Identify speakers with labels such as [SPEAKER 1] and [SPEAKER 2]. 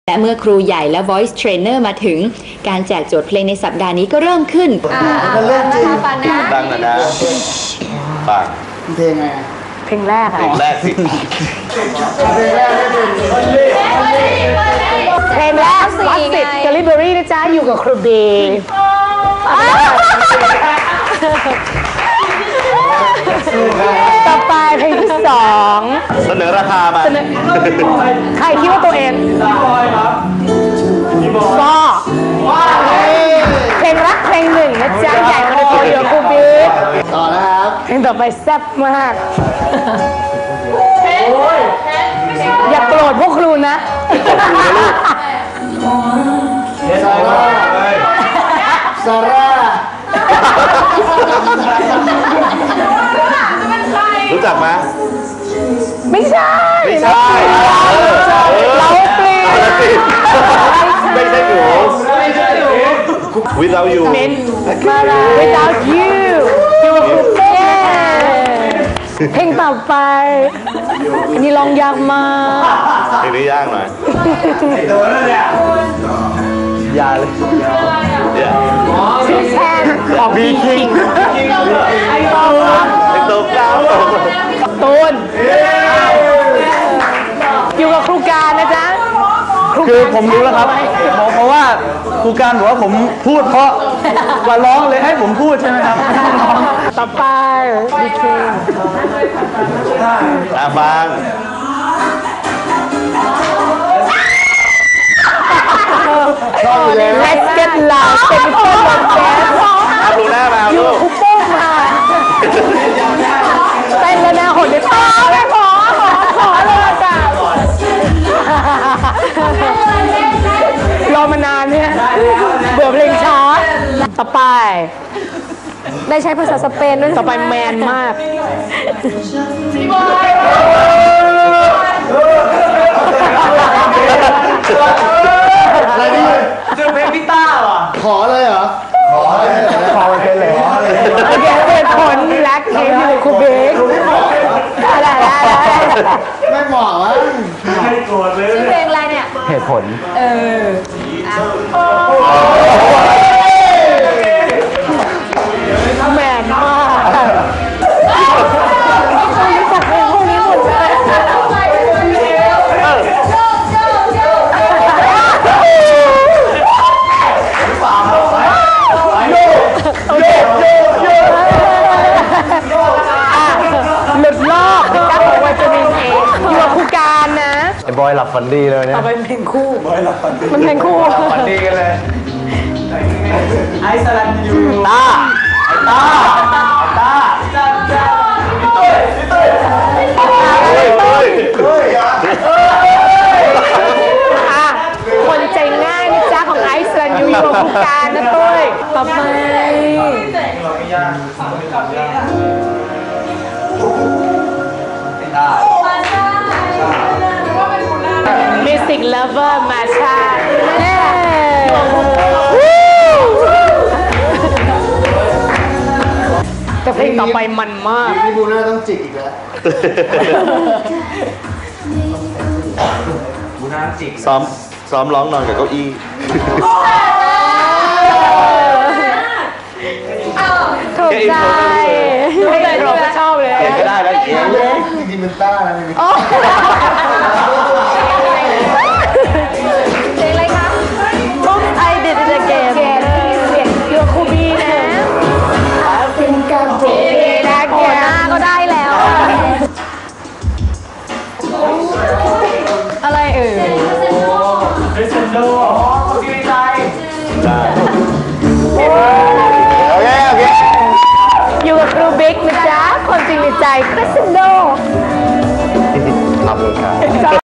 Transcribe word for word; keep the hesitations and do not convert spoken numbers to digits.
[SPEAKER 1] และเมื่อครูใหญ่และ voice trainer มาถึงการแจกโจทย์เพลงในสัปดาห์นี้ก็เริ่มขึ้น
[SPEAKER 2] เริ่มจริง
[SPEAKER 3] ดังนะนะปัง
[SPEAKER 2] เพลงไง
[SPEAKER 4] เพลงแรกอะ
[SPEAKER 3] เพลงแรกสิ
[SPEAKER 2] เพลงแรกไม่เป็น
[SPEAKER 4] เพลงแรกวัดสิทธิ์เดลิเวอรี่นะจ๊ะอยู่กับครูบีต่อไปเพลงที่สอง
[SPEAKER 3] เสนอราคามา
[SPEAKER 4] ใครคิดว่าตัวเองก็เพลงรักเพลงหนึ่งนะจ๊ะใหญ่มาเลยอยู่กับครูบี
[SPEAKER 2] ต่อนะครับ
[SPEAKER 4] เพลงต่อไปแซ่บมากอย่าโกรธพวกครูนะ
[SPEAKER 2] ซาร่าซาร่า
[SPEAKER 3] รู้จักไหม
[SPEAKER 4] ไม่ใช่
[SPEAKER 3] ไม่ใช่
[SPEAKER 4] เราเปลี่ยน
[SPEAKER 3] ไม่ใช่หนู without you
[SPEAKER 4] without you อยู่กับคุณเต้เพลงต่อไปอันนี้ร้องยากมาก
[SPEAKER 3] เพลงนี้ยากหน่อย
[SPEAKER 2] ยาเลย
[SPEAKER 4] ชื่อแทนของบีคิงไอ้โต
[SPEAKER 3] ไอ้โตกล้า
[SPEAKER 4] ตูนอยู่กับครูการนะจ๊ะ
[SPEAKER 5] คือผมรู้แล้วครับเพราะว่าครูการบอกว่าผมพูดเพราะว่าร้องเลยให้ผมพูดใช่ไหมครับ
[SPEAKER 4] ต่อไปบีคิง
[SPEAKER 3] อ่ะฟัง
[SPEAKER 4] Let's get loud เป็นเพื่อนกันแจ๊ส
[SPEAKER 3] อาบลูน่ามา
[SPEAKER 4] อยู่คุปโป้มาเต้นแล้วนะหดเลยป้าไม่ขอขอขอเลยจ้ะรอมานานเนี่ยเบื่อเพลงช้าต่อไปได้ใช้ภาษาสเปนด้วยต่อไปแมนมาก
[SPEAKER 2] อะไรนี่
[SPEAKER 5] เจอเพลงพี่ต้าเหรอ
[SPEAKER 2] ขอเลยเหรอขอเลยขอเลยเลย
[SPEAKER 4] โอเคเป็นผลแบล็คเฮดอยู่คูเบกอะไรอะไร
[SPEAKER 2] ไม่เหมาะวะ
[SPEAKER 5] ไม่โกรธเลย
[SPEAKER 4] ชื่อเพลงอะไรเนี่ย
[SPEAKER 5] เหตุผล
[SPEAKER 4] เออแมนมากจัดเพลงพวกนี้หมดเลยหลุดลอกตั้งของวิตามินเออยู่กับคู่การนะ
[SPEAKER 5] ไอ้บอยหลับฝันดีเลยเนี่ย
[SPEAKER 4] เอาไปเพลงคู่บอยหลับฝันดีมันเพลงคู่
[SPEAKER 5] ฝันดีกันเลยไอซ์สลันยูตาตาตาจ้าจ้าพี่ตุ้ยพี่ตุ้ย
[SPEAKER 4] คนใจง่ายนะจ๊ะของไอซ์สลันยูอยู่กับคู่การนะตุ้ยต่อไปมิวสิกเลฟเวอร์มาชาแต่เพลงต่อไปมันมาก
[SPEAKER 2] พี่บูน่าต้องจิกอีกแล้ว
[SPEAKER 5] บูน่าจิก
[SPEAKER 3] ซ้อมซ้อมร้องนอนกับเก้าอี้
[SPEAKER 4] ถูกใจไม่ได้เราก็ชอบเลย
[SPEAKER 3] เขียนก็ได้แล้วเขียน
[SPEAKER 2] จริงๆมันต้านะเพ
[SPEAKER 4] ลงอะไรคะ I did it again เสียงเกี่ยวคูบีนะเป็นการโปรดได้แก่หน้าก็ได้แล้วอะไรเอ่ย
[SPEAKER 5] เรซนโดที่ไม่ใจ
[SPEAKER 3] โอเคโอเค
[SPEAKER 4] อยู่กับครูบิ๊กนะจ๊ะคนจริงในใจคริสโน
[SPEAKER 3] ขอบคุณครับ